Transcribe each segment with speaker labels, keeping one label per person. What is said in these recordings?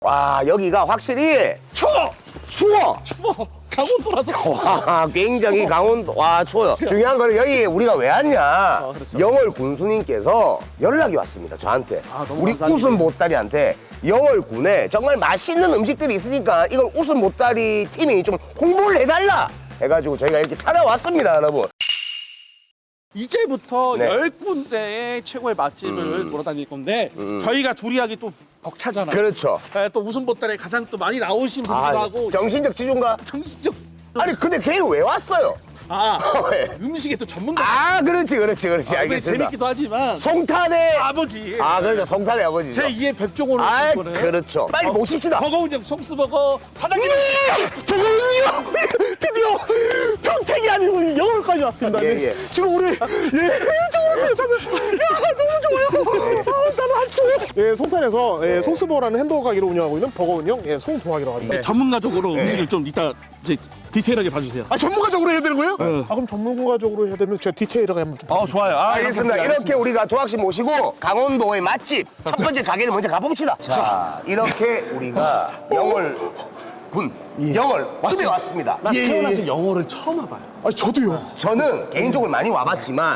Speaker 1: 와, 여기가 확실히
Speaker 2: 추워!
Speaker 1: 추워.
Speaker 2: 추워! 강원도라서.
Speaker 1: 와, 굉장히 강원도. 와, 추워요. 중요한 거는 여기 우리가 왜 왔냐.
Speaker 2: 그렇죠.
Speaker 1: 영월 군수님께서 연락이 왔습니다, 저한테.
Speaker 2: 너무
Speaker 1: 우리
Speaker 2: 감사합니다.
Speaker 1: 웃음 보따리한테 영월 군에 정말 맛있는 음식들이 있으니까 이건 웃음 보따리 팀이 좀 홍보를 해달라 해가지고 저희가 이렇게 찾아왔습니다, 여러분.
Speaker 2: 이제부터
Speaker 1: 네.
Speaker 2: 10군데의 최고의 맛집을 돌아다닐 건데 저희가 둘이 하기 또 벅차잖아요.
Speaker 1: 그렇죠.
Speaker 2: 네, 또 웃음 보따리에 가장 또 많이 나오신
Speaker 1: 아,
Speaker 2: 분들하고
Speaker 1: 정신적 지존가?
Speaker 2: 정신적
Speaker 1: 아니, 근데 걔는 왜 왔어요? 왜?
Speaker 2: 음식의 또 전문가.
Speaker 1: 아, 그렇지.
Speaker 2: 근데
Speaker 1: 알겠습니다.
Speaker 2: 재밌기도 하지만
Speaker 1: 송탄의
Speaker 2: 아버지.
Speaker 1: 아, 그렇죠. 송탄의 아버지죠.
Speaker 2: 제2의 백종원을
Speaker 1: 아,
Speaker 2: 거는
Speaker 1: 그렇죠. 빨리 모십시다.
Speaker 2: 버거운영 송스버거 사장님.
Speaker 1: 버거운영 드디어 평택이 아니고 영월까지 왔습니다.
Speaker 2: 네.
Speaker 1: 예.
Speaker 3: 지금 우리 좋았어요 다들. 야 너무 좋아요. 나는 안 추워. 예, 송탄에서 예, 송스버거라는 햄버거 가게를 운영하고 있는 버거운영 예, 송동학이라고 합니다.
Speaker 2: 전문가적으로 음식을 좀 이따 이제 디테일하게 봐주세요.
Speaker 3: 아 전문가적으로 해야 되는 거예요?
Speaker 2: 네.
Speaker 3: 아 그럼 전문가적으로 해야 되면 제가 디테일하게 한번 좀.
Speaker 2: 좋아요.
Speaker 1: 알겠습니다. 이렇게 우리가 도학씨 모시고 강원도의 맛집 첫 번째 가게를 먼저 가봅시다. 자, 이렇게 우리가 영월 군 영월 숲에 왔습니다.
Speaker 2: 나 태어나서 영어를 처음 와봐요.
Speaker 3: 아 저도요.
Speaker 1: 저는 개인적으로 많이 와봤지만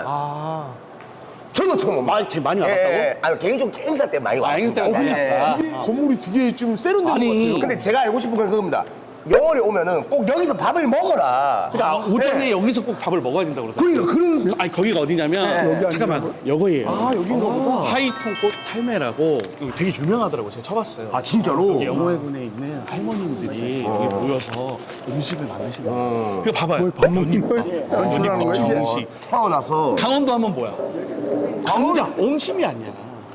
Speaker 1: 저는 처음 옵니다.
Speaker 2: 많이 와봤다고?
Speaker 1: 아니, 개인적으로 행사 때 많이 왔습니다.
Speaker 2: 행사 때 많이 왔다.
Speaker 3: 이게 건물이 되게 좀 세련된 것 같아요.
Speaker 1: 근데 제가 알고 싶은 건 그겁니다. 영월에 오면은 꼭 여기서 밥을 먹어라.
Speaker 2: 그러니까 오전에 여기서 꼭 밥을 먹어야 된다고 그러죠.
Speaker 1: 그러니까 그런
Speaker 2: 아니 거기가 어디냐면 잠깐만 여거예요.
Speaker 3: 아 여긴가 보다.
Speaker 2: 하이통꽃 탈매라고 되게 유명하더라고요. 제가 쳐봤어요.
Speaker 1: 아, 진짜로?
Speaker 2: 영월군에 있는 할머님들이 여기 모여서 음식을 만드시는 거예요. 이거 봐봐요. 연잎밥 정식.
Speaker 1: 태어나서
Speaker 2: 강원도 하면 뭐야? 감자. 옹심이 아니야.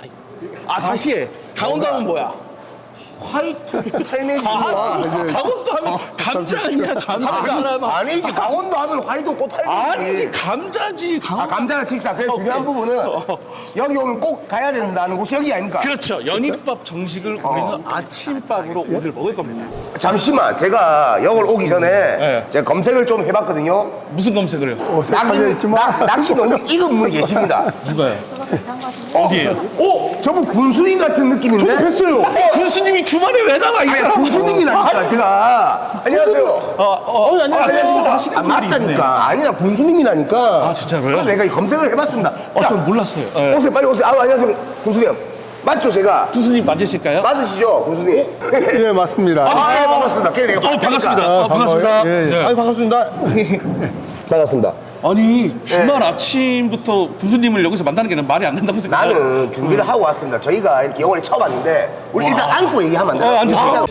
Speaker 2: 다시 해. 강원도 하면 뭐야?
Speaker 1: 화이트 탈매지구나.
Speaker 2: 강원도 하면 감자 아니야? 감자.
Speaker 1: 아니지, 강원도 하면 화이트 꽃 탈매지.
Speaker 2: 아니지 감자지.
Speaker 1: 아, 감자는 칩사. 그래서 중요한 부분은 여기 오면 꼭 가야 된다는 곳이 여기 아닙니까?
Speaker 2: 그렇죠. 연잎밥 정식을 우리는 아침밥으로 오늘 먹을 겁니다.
Speaker 1: 잠시만, 제가 영월 오기 전에
Speaker 2: 네.
Speaker 1: 제가 검색을 좀 해봤거든요.
Speaker 2: 무슨 검색을 해요?
Speaker 1: 낚시 너무 익은 분이 계십니다.
Speaker 2: 누가요? 어디에요?
Speaker 1: 저분 군수님 같은 느낌인데?
Speaker 3: 저도 뵀어요.
Speaker 2: 군수님이 주말에 왜 나가? 이
Speaker 1: 아니,
Speaker 2: 사람?
Speaker 1: 군수님이라니까, 제가. 안녕하세요.
Speaker 2: 안녕하세요.
Speaker 1: 아, 맞다니까. 아니야, 군수님이라니까.
Speaker 2: 아, 진짜로요?
Speaker 1: 그래서 내가 이 검색을 해봤습니다. 자,
Speaker 2: 전 몰랐어요. 네.
Speaker 1: 오세요, 빨리 오세요. 아, 안녕하세요, 군수님. 맞죠, 제가?
Speaker 2: 군수님 맞으실까요?
Speaker 1: 맞으시죠, 군수님?
Speaker 4: 네, 맞습니다.
Speaker 1: 아, 반갑습니다. 걔 내가
Speaker 2: 반갑습니다. 반갑습니다.
Speaker 4: 예, 예.
Speaker 2: 네.
Speaker 3: 아니 반갑습니다.
Speaker 1: 반갑습니다.
Speaker 2: 아니 주말 아침부터 군수님을 여기서 만나는 게 말이 안 된다고 생각해요.
Speaker 1: 나는 준비를 하고 왔습니다. 저희가 이렇게 영월에 처음 왔는데 우리 일단 앉고 얘기하면 안 돼요?
Speaker 2: 앉으세요.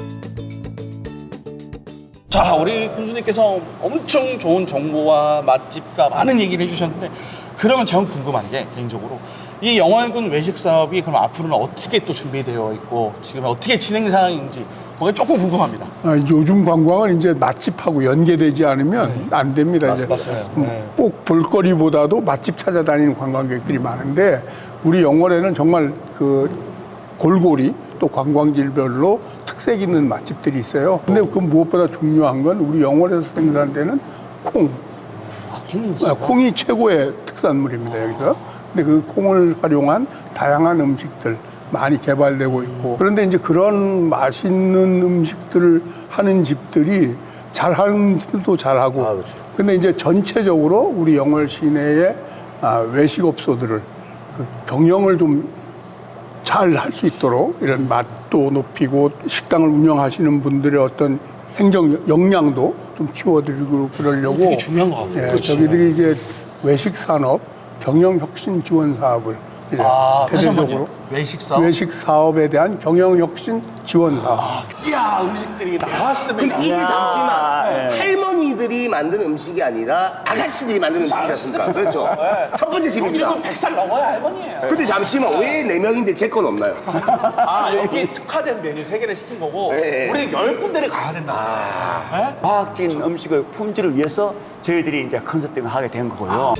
Speaker 2: 자, 우리 군수님께서 엄청 좋은 정보와 맛집과 많은 얘기를 해주셨는데 그러면 전 궁금한 게 개인적으로 이 영월군 외식 사업이 그럼 앞으로는 어떻게 또 준비되어 있고 지금 어떻게 진행 상황인지 그게 조금 궁금합니다.
Speaker 4: 요즘 관광은 이제 맛집하고 연계되지 않으면 안 됩니다. 이제 꼭 볼거리보다도 맛집 찾아다니는 관광객들이 많은데 우리 영월에는 정말 그 골고리 또 관광지별로 특색 있는 맛집들이 있어요. 근데 그 무엇보다 중요한 건 우리 영월에서 생산되는 콩. 콩이 최고의 특산물입니다, 여기서. 근데 그 콩을 활용한 다양한 음식들 많이 개발되고 있고 그런데 이제 그런 맛있는 음식들을 하는 집들이 잘하는 집도 잘하고
Speaker 1: 그렇죠.
Speaker 4: 근데 이제 전체적으로 우리 영월 시내의 외식업소들을 그 경영을 좀 잘 할 수 있도록 이런 맛도 높이고 식당을 운영하시는 분들의 어떤 행정 역량도 좀 키워드리고 그러려고
Speaker 2: 되게 중요한 것 같아요. 그렇지.
Speaker 4: 저희들이 이제 외식 산업 경영 혁신 지원 사업을 이제 대대적으로
Speaker 2: 외식 사업?
Speaker 4: 외식 사업에 대한 경영 혁신 지원 사업.
Speaker 2: 이야 음식들이 나왔으면
Speaker 1: 근데 이게 잠시만
Speaker 2: 네.
Speaker 1: 할머니들이 만든 음식이 아니라 아가씨들이 만든 음식이었습니까? 그렇죠. 첫 번째 집입니다.
Speaker 2: 지금 100살 넘어야 할머니예요.
Speaker 1: 근데 잠시만 왜 4명인데 제 건 없나요?
Speaker 2: 여기 특화된 메뉴 3개를 시킨 거고
Speaker 1: 네.
Speaker 2: 우리 10군데를 가야 된다. 네?
Speaker 5: 과학적인 음식의 품질을 위해서 저희들이 이제 컨설팅을 하게 된 거고요.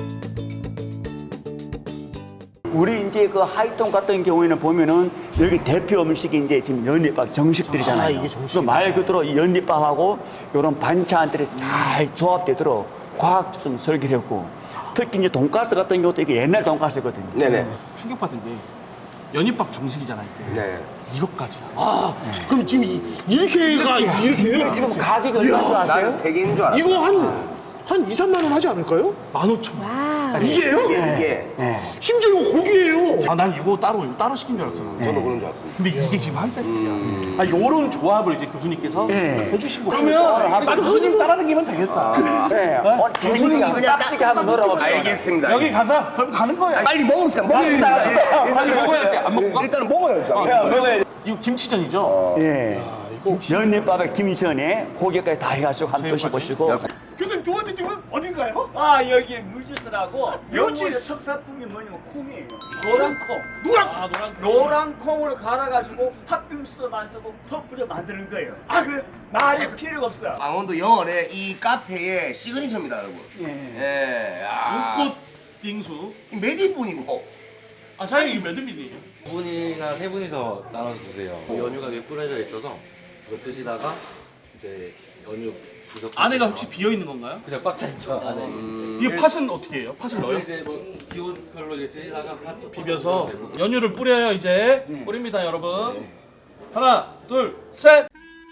Speaker 5: 우리 이제 그 하이통 같은 경우에는 보면은 여기 대표 음식이 이제 지금 연잎밥 정식들이잖아요.
Speaker 2: 이게 정식이다.
Speaker 5: 말 그대로 이 연잎밥하고 이런 반찬들이 잘 조합되도록 과학적으로 좀 설계를 했고 특히 이제 돈가스 같은 경우도 이게 옛날 돈가스거든요.
Speaker 1: 네네.
Speaker 2: 충격받은 게 연잎밥 정식이잖아요. 이게.
Speaker 1: 네.
Speaker 2: 이것까지.
Speaker 3: 아, 그럼 지금 이렇게가 이렇게요?
Speaker 5: 지금 가격이 얼마인 줄 아세요?
Speaker 1: 나는 3개인 줄 알았어.
Speaker 3: 이거 한 2, 3만 원 하지 않을까요?
Speaker 2: 15,000원.
Speaker 3: 이게요?
Speaker 1: 이게
Speaker 3: 심지어 이거 고기예요.
Speaker 2: 아, 난 이거 따로 시킨 줄 알았어. 나는.
Speaker 1: 저도 그런 줄 알았습니다.
Speaker 2: 근데 이게 지금 한 세트야. 아, 요런 조합을 이제 교수님께서 해주신 거예요.
Speaker 5: 그러면
Speaker 2: 나도 교수님 따라다니면 되겠다.
Speaker 5: 네. 재밌게
Speaker 1: 그냥
Speaker 5: 빡시게 한번 놀아봅시다.
Speaker 1: 알겠습니다.
Speaker 2: 여기 가서 그럼 가는 거예요.
Speaker 1: 빨리 먹읍시다. 먹어야
Speaker 2: 빨리 먹어야지. 안 먹고 가?
Speaker 1: 일단은 먹어야죠.
Speaker 5: 먹어야
Speaker 2: 이거 김치전이죠?
Speaker 5: 예. 연잎밥에 김치전에 고기까지 다 해가지고 한번 드셔보시고.
Speaker 3: 교수님 두 번째 집은 어딘가요?
Speaker 5: 아 여기 무지스라고
Speaker 3: 무지스.
Speaker 5: 영월의 특산품이 뭐냐면 콩이에요. 노란콩.
Speaker 3: 노랑.
Speaker 5: 노란콩을 갈아가지고 팥빙수도 만들고 퍼프도 만드는 거예요.
Speaker 3: 아 그래?
Speaker 5: 말이 필요가 없어요.
Speaker 1: 강원도 영월의 이 카페의 시그니처입니다, 여러분. 예. 야.
Speaker 2: 눈꽃 빙수.
Speaker 1: 몇 인분이고?
Speaker 2: 아, 사장님 이거 몇 인분이에요?
Speaker 6: 두 분이나 세 분이서 나눠서 드세요. 연유가 위에 뿌려져 있어서 이거 드시다가 이제 연유 구석
Speaker 2: 안에가 혹시 비어 있는 건가요?
Speaker 6: 그냥 꽉 차 있죠. 안에.
Speaker 2: 이게 팥은 어떻게 해요? 팥을 넣어요?
Speaker 6: 이제 뭐 기온별로 이제 드시다가 팥
Speaker 2: 비벼서 연유를 뿌려요. 이제 뿌립니다, 여러분. 하나, 둘, 셋.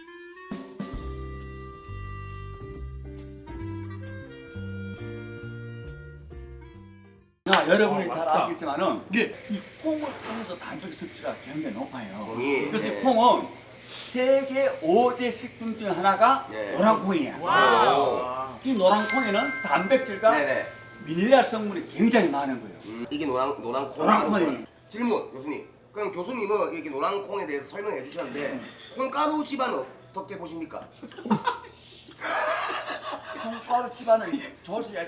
Speaker 5: 자, 여러분이 잘 아시겠지만은
Speaker 2: 예.
Speaker 5: 이 콩을 통해서 단백 섭취가 굉장히 높아요.
Speaker 1: 콩이,
Speaker 5: 그래서
Speaker 1: 네.
Speaker 5: 이 콩은 세계 5대 식품 중 하나가
Speaker 1: 네.
Speaker 5: 노란콩이에요. 이 노란콩에는 단백질과
Speaker 1: 네네.
Speaker 5: 미네랄 성분이 굉장히 많은 거예요.
Speaker 1: 이게 노란콩.
Speaker 5: 노란콩이에요.
Speaker 1: 질문, 교수님. 그럼 교수님은 이렇게 노란콩에 대해서 설명해 주셨는데 콩가루 집안은 어떻게 보십니까?
Speaker 5: 콩가루 집안은 조심해야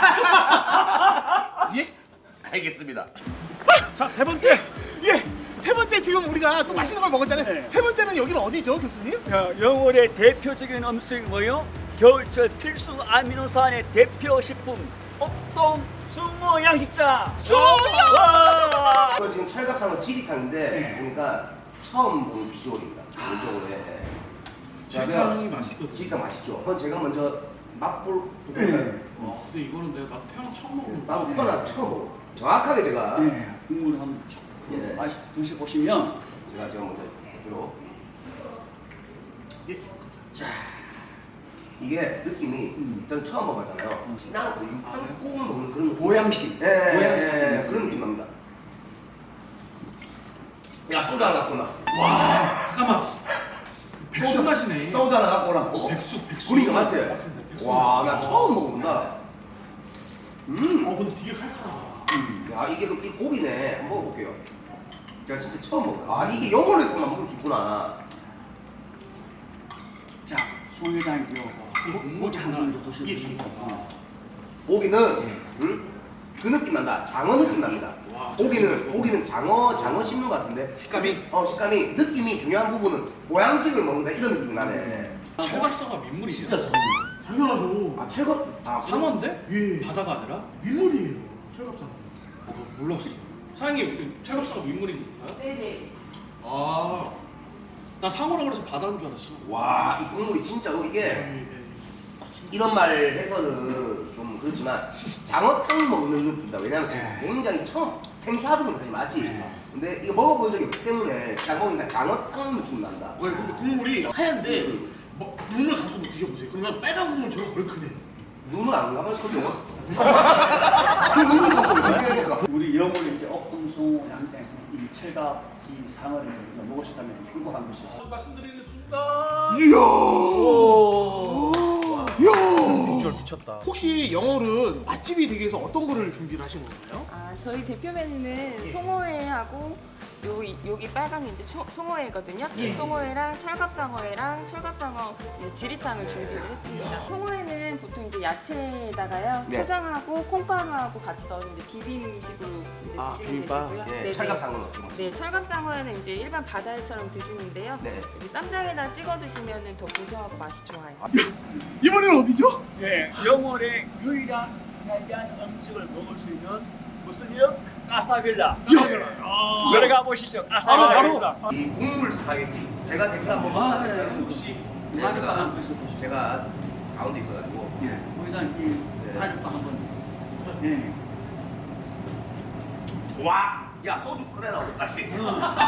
Speaker 5: 된다.
Speaker 2: 예?
Speaker 1: 알겠습니다.
Speaker 2: 자, 세 번째.
Speaker 3: 예. 세 번째 지금 우리가 또 맛있는 걸 먹었잖아요.
Speaker 5: 네.
Speaker 3: 세 번째는 여기는 어디죠, 교수님?
Speaker 5: 영월의 대표적인 음식이 뭐요? 겨울철 필수 아미노산의 대표 식품 옥동 숭어 양식장. 숭어요!
Speaker 1: 이거 지금 철갑상어 지리탕인데 보니까 처음 본 비주얼입니다. 개인적으로. 예.
Speaker 2: 지리탕이 맛있거든요.
Speaker 1: 지리탕 맛있죠. 그럼 제가 먼저 맛볼.
Speaker 2: 근데 이거는 내가 나도 태어나서 처음 먹는 거.
Speaker 1: 나도 태어나 처음 먹어. 정확하게 제가
Speaker 5: 네, 국물을 한번 쭉
Speaker 1: 예.
Speaker 5: 맛있 드셔보시면
Speaker 1: 제가 먼저 들어. 이게 느낌이 저는 처음 먹어봤잖아요. 그냥 한국 먹는 그런 느낌.
Speaker 5: 보양식.
Speaker 1: 예,
Speaker 5: 보양식.
Speaker 1: 예, 그런 느낌 납니다. 야, 소주 하나 갖고 나.
Speaker 2: 잠깐만. 백숙 맛이네.
Speaker 1: 소주 하나 갖고 오라고.
Speaker 2: 백숙.
Speaker 1: 우리가 맞지?
Speaker 2: 맞습니다. 백숙.
Speaker 1: 와, 나 처음 먹어본다.
Speaker 2: 근데 되게 칼칼하다.
Speaker 1: 야, 이게 이 고기네. 한번 먹어볼게요. 제가 진짜 처음 먹어요. 아, 이게 영월에서만 먹을 수 있구나.
Speaker 5: 자, 송 회장님요. 고기 한번 드셔보시고.
Speaker 1: 고기는 그 느낌 난다. 장어 느낌 납니다. 고기는 장어 씹는 것 같은데
Speaker 2: 식감이?
Speaker 1: 식감이 느낌이 중요한 부분은 모양식을 먹는다 이런 느낌이 나네.
Speaker 2: 철갑상어 민물이 진짜
Speaker 3: 당연하죠.
Speaker 1: 아 철거? 아
Speaker 2: 상어인데?
Speaker 3: 예.
Speaker 2: 바다가 아니라?
Speaker 3: 민물이에요. 철갑상.
Speaker 2: 몰랐어. 사장님, 철갑상어 민물인가요?
Speaker 7: 네네.
Speaker 2: 아, 나 상어라고 그래서 바다인 줄 알았어.
Speaker 1: 와, 이 국물이 진짜로 이게 이런 말 해서는 좀 그렇지만 장어탕 먹는 느낌이다. 왜냐면 제가 굉장히 처음 생소하거든요, 사실 맛이. 근데 이거 먹어본 적이 없기 때문에 딱 먹으니까 장어탕 느낌 난다.
Speaker 3: 왜 근데 국물이 하얀데 눈을 감고 드셔보세요. 그러면 빨간 국물처럼 그렇게 크네.
Speaker 1: 눈을 안 감을 거죠? 그 눈을 감고 있어요.
Speaker 5: 우리 영월의 이제 옥동숭어 양식장에서 이 철갑 이 상어를 이제 먹으셨다면 행복한 것이죠.
Speaker 2: 말씀드리는 순간. 비주얼 미쳤다.
Speaker 3: 혹시 영월은 맛집이 되기 위해서 어떤 거를 준비를 하신 건가요?
Speaker 7: 아, 저희 대표 메뉴는 송어회하고 여기 빨간 게 이제 송어회거든요. 송어회랑 철갑상어회랑 철갑상어 이제 지리탕을 준비를 했습니다. 송어회는 보통 이제 야채에다가요
Speaker 1: 네.
Speaker 7: 초장하고 콩가루하고 같이 넣어서 이제 비빔식으로 이제 드시면
Speaker 2: 비빔밥?
Speaker 7: 되시고요.
Speaker 1: 예,
Speaker 7: 네네.
Speaker 1: 철갑상어는 어떻게 먹어요?
Speaker 7: 네, 철갑상어회는 이제 일반 바다회처럼 드시는데요.
Speaker 1: 네.
Speaker 7: 여기 쌈장에다 찍어 드시면 더 고소하고 맛이 좋아요.
Speaker 3: 이번에는 어디죠?
Speaker 5: 네, 영월의 유일한 해안 음식을 먹을 수 있는 무슨요? 까사빌라. 들어가 보시죠. 까사빌라.
Speaker 1: 이 국물 스파게티 제가 대표 한번 먹어봤어요.
Speaker 5: 혹시
Speaker 1: 네, 제가 가운데 있어가지고
Speaker 5: 예, 회장님 한번 한번. 예.
Speaker 1: 와, 야 소주 꺼내라 빨리. 네.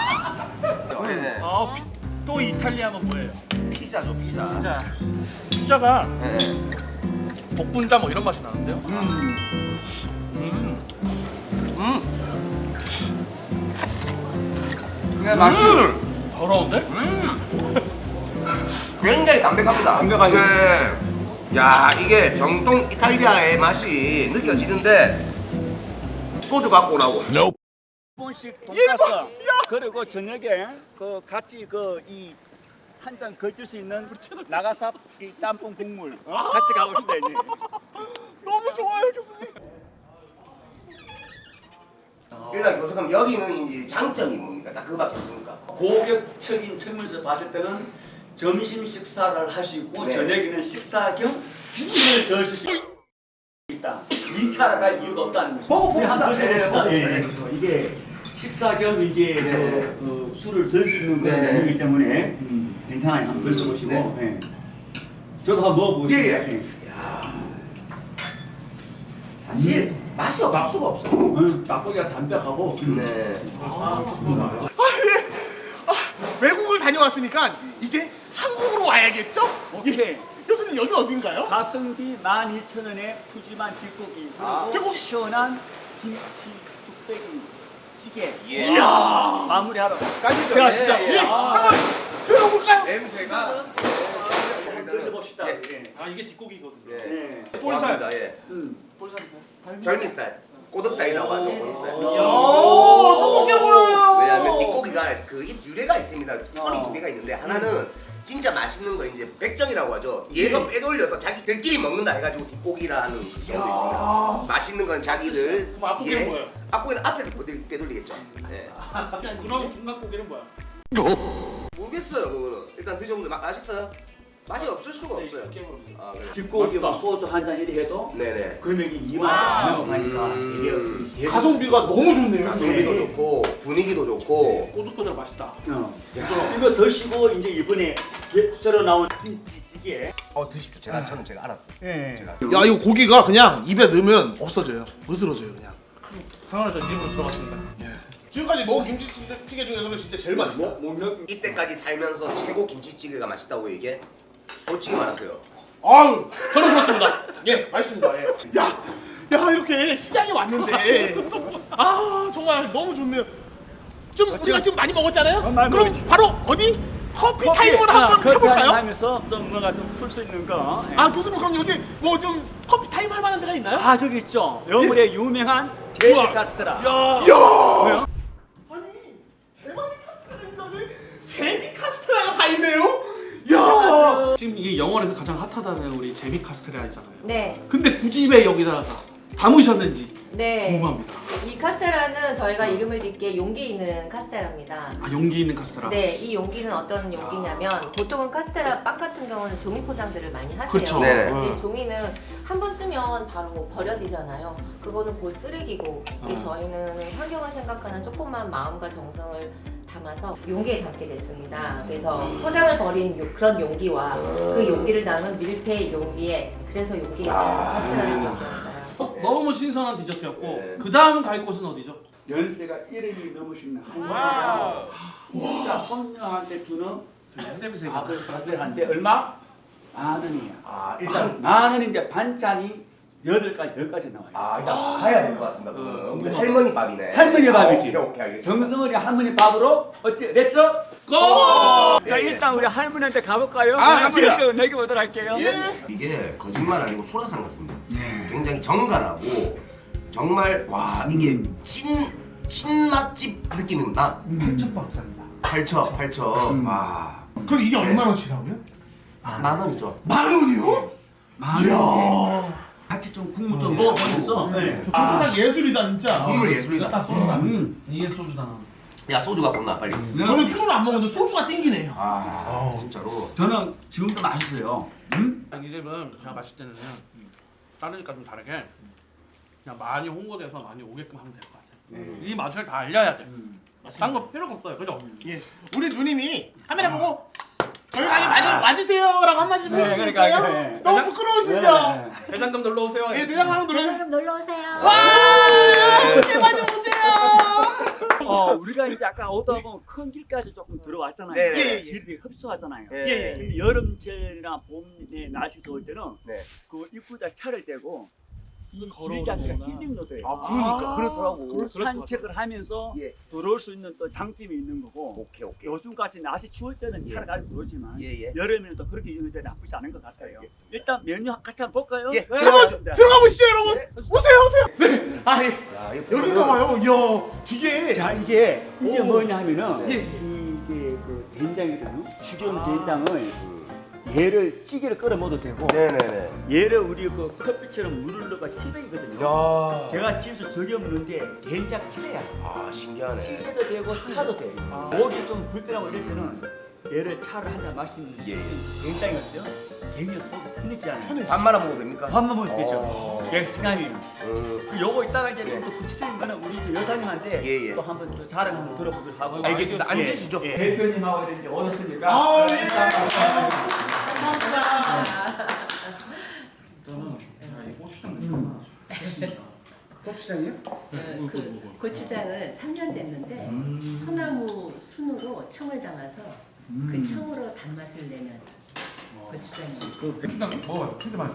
Speaker 2: 또 이탈리아는 뭐예요?
Speaker 1: 피자죠 피자.
Speaker 2: 자, 피자가
Speaker 1: 네.
Speaker 2: 복분자 뭐 이런 맛이 나는데요?
Speaker 5: 그게 맛이
Speaker 2: 더러운데?
Speaker 1: 굉장히 담백합니다.
Speaker 5: 담백하죠.
Speaker 1: 네. 야 이게 정통 이탈리아의 맛이 느껴지는데 소주 갖고 오라고.
Speaker 5: 번씩 돈가스 그리고 저녁에 그 같이 그 이 한 잔 걸칠 수 있는 나가사 이 짬뽕 국물 같이 가봅시다 이제.
Speaker 3: 너무 좋아요, 교수님.
Speaker 1: 일단 교수 그럼 여기는 이제 장점이 뭡니까? 딱 그거밖에 없습니까?
Speaker 5: 고격적인 측면에서 봤을 때는 점심 식사를 하시고
Speaker 1: 네.
Speaker 5: 저녁에는 식사 겸 술을 더 드실 수 있다. 2차를 갈 이유가 없다는 거죠.
Speaker 1: 먹어봅시다.
Speaker 5: 한번 드셔봅시다.
Speaker 1: 네,
Speaker 5: 예,
Speaker 1: 먹어봅시다.
Speaker 5: 이게 식사 겸 이제
Speaker 1: 네.
Speaker 5: 술을 들 수 있는 그런
Speaker 1: 네.
Speaker 5: 메뉴이기 때문에 괜찮아요. 한번 드셔보시고.
Speaker 1: 네.
Speaker 5: 예. 저도 한번 먹어보겠습니다.
Speaker 1: 예, 예.
Speaker 5: 예.
Speaker 1: 사실 맛이 없을 수가 없어.
Speaker 5: 닭고기가 담백하고
Speaker 1: 네.
Speaker 3: 외국을 다녀왔으니까 이제 한국으로 와야겠죠?
Speaker 5: 오케이.
Speaker 3: 교수님 여기 어딘가요?
Speaker 5: 가성비 12,000원에 푸짐한 뒷고기 그리고 시원한 김치 뚝배기 찌개
Speaker 3: 이야.
Speaker 5: 마무리하러
Speaker 3: 들어가시죠. 예. 한번 들어볼까요?
Speaker 1: 냄새가
Speaker 5: 한번 드셔봅시다.
Speaker 1: 예.
Speaker 5: 예.
Speaker 2: 아 이게 뒷고기거든요.
Speaker 5: 예.
Speaker 1: 볼살. 예. 별미살. 꼬득살이라고 하죠. 꼬득살.
Speaker 3: 똑똑해 보여요.
Speaker 1: 왜냐하면 뒷고기가 그 유래가 있습니다. 설이 두 개가 있는데 하나는 진짜 맛있는 거 이제 백정이라고 하죠. 얘에서 빼돌려서 자기들끼리 먹는다 해가지고 뒷고기라는 그 경우도 있습니다. 맛있는 건 자기들.
Speaker 2: 그럼 앞고기는 뭐예요?
Speaker 1: 앞고기는 앞에서 빼돌리겠죠. 예.
Speaker 2: 그럼 중간고기는 뭐야?
Speaker 1: 모르겠어요. 그거는 일단 드셔보세요. 맛있어요? 맛이 없을 수가 없어요. 아, 그래.
Speaker 5: 뒷고기와 소주 한 잔 이리 해도
Speaker 1: 네네.
Speaker 5: 금액이 2만 원 넘어가니까 이게
Speaker 3: 가성비가 너무 좋네요.
Speaker 1: 가성비도 좋고 분위기도 좋고.
Speaker 2: 꼬들꼬들 맛있다.
Speaker 5: 이거 드시고 이제 이번에 새로 나온 김치찌개
Speaker 1: 드십시오. 저는 제가 알았어요.
Speaker 5: 예.
Speaker 3: 야 이거 고기가 그냥 입에 넣으면 없어져요. 으스러져요 그냥.
Speaker 2: 상황에서 일부러 들어갔습니다.
Speaker 3: 지금까지 먹은 김치찌개 중에서는 진짜 제일 맛있다.
Speaker 1: 이때까지 살면서 최고 김치찌개가 맛있다고 얘기해? 솔직히 말하세요.
Speaker 3: 아유, 저는 그렇습니다. 예, 맛있습니다. 예. 야 이렇게 시장에 왔는데 아 정말 너무 좋네요. 좀 우리가 지금 많이 먹었잖아요.
Speaker 5: 많이
Speaker 3: 그럼
Speaker 5: 먹었지.
Speaker 3: 바로 어디 커피 타임을 한번 해볼까요?
Speaker 5: 하면서 좀 뭔가 좀 풀 수 있는 거. 예.
Speaker 3: 아 교수님 그럼 여기 뭐 좀 커피 타임 할 만한 데가 있나요?
Speaker 5: 아 저기 있죠. 여물의 유명한 제이 카스테라.
Speaker 3: 야. 아니 대만의 카스테라인데 제비 카스테라가 다 있네요. 야.
Speaker 2: 지금 이게 영월에서 가장 핫하다는 우리 제비 카스테라이잖아요.
Speaker 8: 네,
Speaker 2: 근데 굳이 왜 여기다가 담으셨는지
Speaker 8: 네.
Speaker 2: 궁금합니다.
Speaker 8: 이 카스테라는 저희가 이름을 짓기에 용기 있는 카스테라입니다.
Speaker 2: 아 용기 있는 카스테라.
Speaker 8: 네, 이 용기는 어떤 용기냐면 보통은 카스테라 빵 같은 경우는 종이 포장들을 많이 하세요.
Speaker 2: 그렇죠.
Speaker 1: 네.
Speaker 8: 근데 종이는 한 번 쓰면 바로 버려지잖아요. 그거는 곧 쓰레기고 이게 저희는 환경을 생각하는 조금만 마음과 정성을 담아서 용기에 담게 됐습니다. 그래서 포장을 버린 그런 용기와 그 용기를 담은 밀폐 용기에 그래서 용기 있는 카스테라를 만들었어요.
Speaker 2: 너무 신선한 디저트였고
Speaker 1: 네.
Speaker 2: 그 다음 갈 곳은 어디죠?
Speaker 5: 연세가 1년이 넘으신 한여자 진짜 손녀한테 주는
Speaker 2: 냄새가.
Speaker 5: 아들한테 얼마? 10,000원이야.
Speaker 1: 아 일단
Speaker 5: 10,000원인데 반찬이 8가지, 10가지 나와요.
Speaker 1: 일단 봐야 될 것 같습니다. 그거는 우리 할머니 밥이네.
Speaker 5: 할머니 밥이지.
Speaker 1: 오케이 알겠습니다.
Speaker 5: 정성어리 할머니 밥으로 어째 냈죠?
Speaker 2: 고!
Speaker 5: 자 일단 우리 할머니한테 가볼까요?
Speaker 3: 갑시다.
Speaker 5: 좀 먹여보도록 할게요.
Speaker 1: 이게 거짓말 아니고 소라상 같습니다.
Speaker 5: 네.
Speaker 1: 굉장히 정갈하고 정말 와 이게 찐 맛집 느낌입니다. 8,000. 와
Speaker 3: 그럼 이게 얼마나치라고요?
Speaker 1: 10,000원이죠.
Speaker 3: 10,000원이요?
Speaker 5: 이야. 같이 좀 국물 좀 먹어보면서. 네.
Speaker 3: 정말 예술이다 진짜.
Speaker 1: 국물 예술이다.
Speaker 3: 딱 소주다.
Speaker 2: 이게 소주다.
Speaker 1: 야 소주 갖고 온나 빨리.
Speaker 3: 저는 술을 안 먹는데 소주가 땡기네요.
Speaker 1: 아 진짜로.
Speaker 5: 저는 지금도 맛있어요.
Speaker 2: 이 집은 제가 마실 때는 다르니까 좀 다르게 그냥 많이 홍보돼서 많이 오게끔 하면 될 것 같아요. 이 맛을 다 알려야 돼. 딴 거 필요가 없어요. 그죠?
Speaker 3: 예. 우리 누님이 카메라 보고 저희 많이 와주세요라고 한 말씀 해주시겠어요?
Speaker 5: 그러니까, 그래.
Speaker 3: 너무 부끄러우시죠?
Speaker 2: 대장금 놀러 오세요.
Speaker 3: 예, 내장 한번 놀아요.
Speaker 8: 놀러 오세요.
Speaker 3: 와! 이렇게 많이 오세요.
Speaker 5: 우리가 이제 아까 오다 보면 큰 길까지 조금 들어왔잖아요.
Speaker 1: 네.
Speaker 5: 길이 흡수하잖아요.
Speaker 1: 예.
Speaker 5: 근데 여름철이나 봄에 날씨 더울 때는
Speaker 1: 네.
Speaker 5: 그 입구에다 차를 대고 이 길 자체가 힐링로 돼요.
Speaker 1: 그러니까 그렇더라고.
Speaker 5: 그 산책을 하면서
Speaker 1: 예.
Speaker 5: 들어올 수 있는 또 장점이 있는 거고.
Speaker 1: 오케이.
Speaker 5: 요즘같이 날씨 추울 때는 차를 가지고 들어오지만
Speaker 1: 예.
Speaker 5: 여름에는 또 그렇게 이용이 되 나쁘지 않은 것 같아요.
Speaker 1: 알겠습니다.
Speaker 5: 일단 메뉴 같이 한번 볼까요?
Speaker 1: 예.
Speaker 3: 들어가 보시죠, 여러분. 오세요. 네. 아, 예.
Speaker 1: 야, 이거
Speaker 3: 여기가 봐요. 이야, 기계.
Speaker 5: 자 이게
Speaker 3: 오.
Speaker 5: 뭐냐 하면은
Speaker 3: 예.
Speaker 5: 이 이제 그 된장이거든요. 죽여온 된장을 얘를 찌개를 끓여 먹어도 되고
Speaker 1: 네네네.
Speaker 5: 얘를 우리 그 커피처럼 물을 넣어가 티백이거든요.
Speaker 1: 야.
Speaker 5: 제가 집에서 저겨 먹는데 된장찌개야.
Speaker 1: 아, 신기하네.
Speaker 5: 찌개도 되고 차도 돼. 목이 좀 불편하고 이럴 때는 얘를 차를 한 잔 마시면
Speaker 1: 예.
Speaker 5: 된장이거든요. 괜히 속이 편해지잖아요.
Speaker 1: 밥 말아 먹어도 됩니까?
Speaker 5: 밥만 먹어도 되죠.
Speaker 1: 어.
Speaker 5: 예, 진함이에요.
Speaker 1: 음.
Speaker 5: 요거 이따가 이제 또 구체적인 거는 우리 저 여사님한테
Speaker 1: 예.
Speaker 5: 또 한번 또 자랑 한번 들어보도록 하고.
Speaker 1: 알겠습니다. 앉으시죠.
Speaker 5: 예. 대표님하고 이제 오셨으니까.
Speaker 3: 아, 예.
Speaker 9: 그 고추장을 3년 됐는데 소나무 순으로 청을 담아서 그 청으로 단맛을 내는 고추장이에요.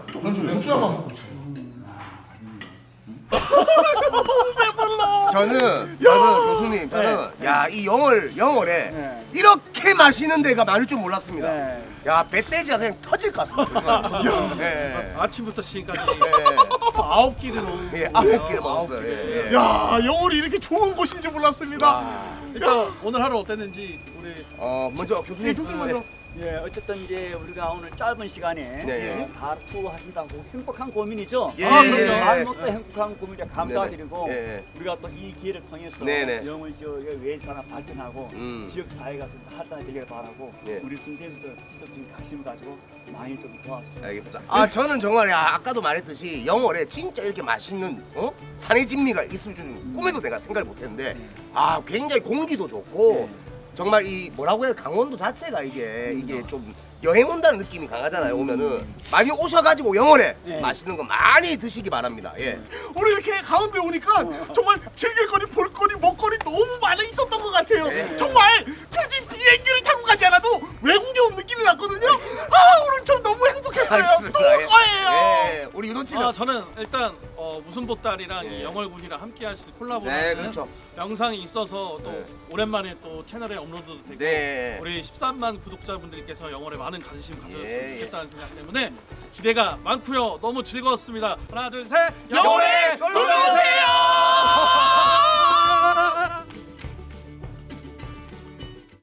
Speaker 1: 저는 교수님, 야, 이 영월에 이렇게 맛있는 데가 많을 줄 몰랐습니다.
Speaker 5: 네.
Speaker 1: 야, 뱃돼지가 그냥 터질 것 같습니다. 예.
Speaker 3: 아침부터 지금까지
Speaker 1: 예.
Speaker 3: 9끼를 먹은
Speaker 1: 예, 9끼를 먹었어요. 예.
Speaker 3: 야, 영월이 이렇게 좋은 곳인지 몰랐습니다. 일단 오늘 하루 어땠는지 우리
Speaker 1: 먼저 교수님.
Speaker 3: 교수님 먼저.
Speaker 5: 예, 어쨌든 이제 우리가 오늘 짧은 시간에
Speaker 1: 네.
Speaker 5: 바로 하신다고 행복한 고민이죠.
Speaker 1: 예,
Speaker 3: 그럼요.
Speaker 5: 말 못해 행복한 고민에 감사드리고
Speaker 1: 예.
Speaker 5: 우리가 또 이 기회를 통해서
Speaker 1: 네네.
Speaker 5: 영월 지역의 외사나 발전하고 지역 사회가 좀 활성화되길 바라고
Speaker 1: 예.
Speaker 5: 우리 선생님들 지속적인 관심 가지고 많이 좀 도와주세요.
Speaker 1: 알겠습니다. 아, 저는 정말 아까도 말했듯이 영월에 진짜 이렇게 맛있는 산의 진미가 있을 줄은 꿈에도 내가 생각을 못했는데 굉장히 공기도 좋고 정말 이 뭐라고 해야 강원도 자체가 이게 좀 여행 온다는 느낌이 강하잖아요. 오면은 많이 오셔가지고 영월에 맛있는 거 많이 드시기 바랍니다. 예.
Speaker 3: 우리 이렇게 가운데 오니까 정말 즐길거리, 볼거리, 먹거리 너무 많이 있었던 것 같아요.
Speaker 1: 네.
Speaker 3: 정말 굳이 비행기를 타고 가지 않아도 외국에 온 느낌이 났거든요. 오늘 저 너무 행복했어요. 또 올 거예요.
Speaker 1: 예. 우리 윤호 씨는
Speaker 3: 저는 일단 무슨 보따리랑
Speaker 1: 예.
Speaker 3: 이 영월군이랑 함께할 수 콜라보를
Speaker 1: 네,
Speaker 3: 하는
Speaker 1: 그렇죠.
Speaker 3: 영상이 있어서 또
Speaker 1: 네.
Speaker 3: 오랜만에 또 채널에 업로드도 되고
Speaker 1: 네.
Speaker 3: 우리 13만 구독자분들께서 영월에 많은 관심 가져줬으면
Speaker 1: 예.
Speaker 3: 좋겠다는 생각 때문에 기대가 많고요. 너무 즐거웠습니다. 하나, 둘, 셋.
Speaker 1: 영월에 놀러 오세요.